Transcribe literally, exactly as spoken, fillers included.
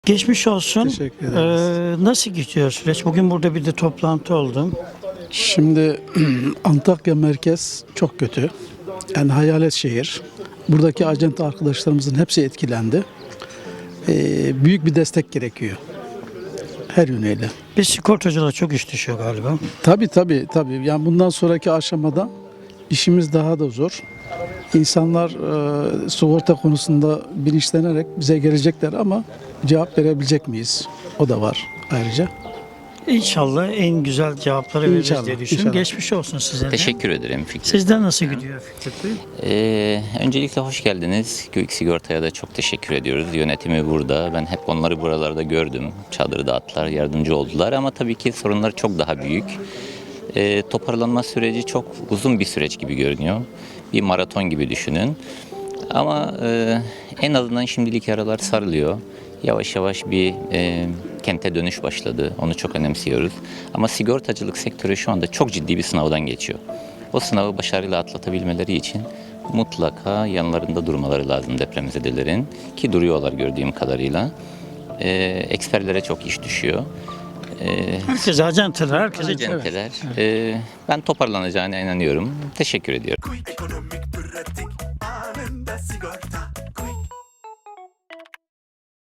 Geçmiş olsun. Teşekkür ederiz. Ee, nasıl gidiyor süreç? Bugün burada bir de toplantı oldum. Şimdi Antakya merkez çok kötü. Yani hayalet şehir. Buradaki acente arkadaşlarımızın hepsi etkilendi. Ee, büyük bir destek gerekiyor. Her yönüyle. Bir sigortacılar çok iş düşüyor galiba. Tabii tabii tabii. Yani bundan sonraki aşamada işimiz daha da zor. İnsanlar e, sigorta konusunda bilinçlenerek bize gelecekler ama cevap verebilecek miyiz? O da var ayrıca. İnşallah en güzel cevapları veririz İnşallah, diye düşünüyorum. inşallah. Geçmiş olsun size de. Teşekkür ederim Fikret. Sizden nasıl gidiyor Fikret Bey? Ee, öncelikle hoş geldiniz. Gök Sigorta'ya da çok teşekkür ediyoruz. Yönetimi burada. Ben hep onları buralarda gördüm. Çadırı dağıttılar, yardımcı oldular ama tabii ki sorunlar çok daha büyük. Ee, toparlanma süreci çok uzun bir süreç gibi görünüyor. Bir maraton gibi düşünün. Ama e, en azından şimdilik yaralar sarılıyor. Yavaş yavaş bir e, kente dönüş başladı. Onu çok önemsiyoruz. Ama sigortacılık sektörü şu anda çok ciddi bir sınavdan geçiyor. O sınavı başarıyla atlatabilmeleri için mutlaka yanlarında durmaları lazım depremzedelerin. Ki duruyorlar gördüğüm kadarıyla. E, eksperlere çok iş düşüyor. E, Herkese acenteler, herkese acenteler. E, ben toparlanacağına inanıyorum. Teşekkür ediyorum. Ekonomik pratik anında sigorta.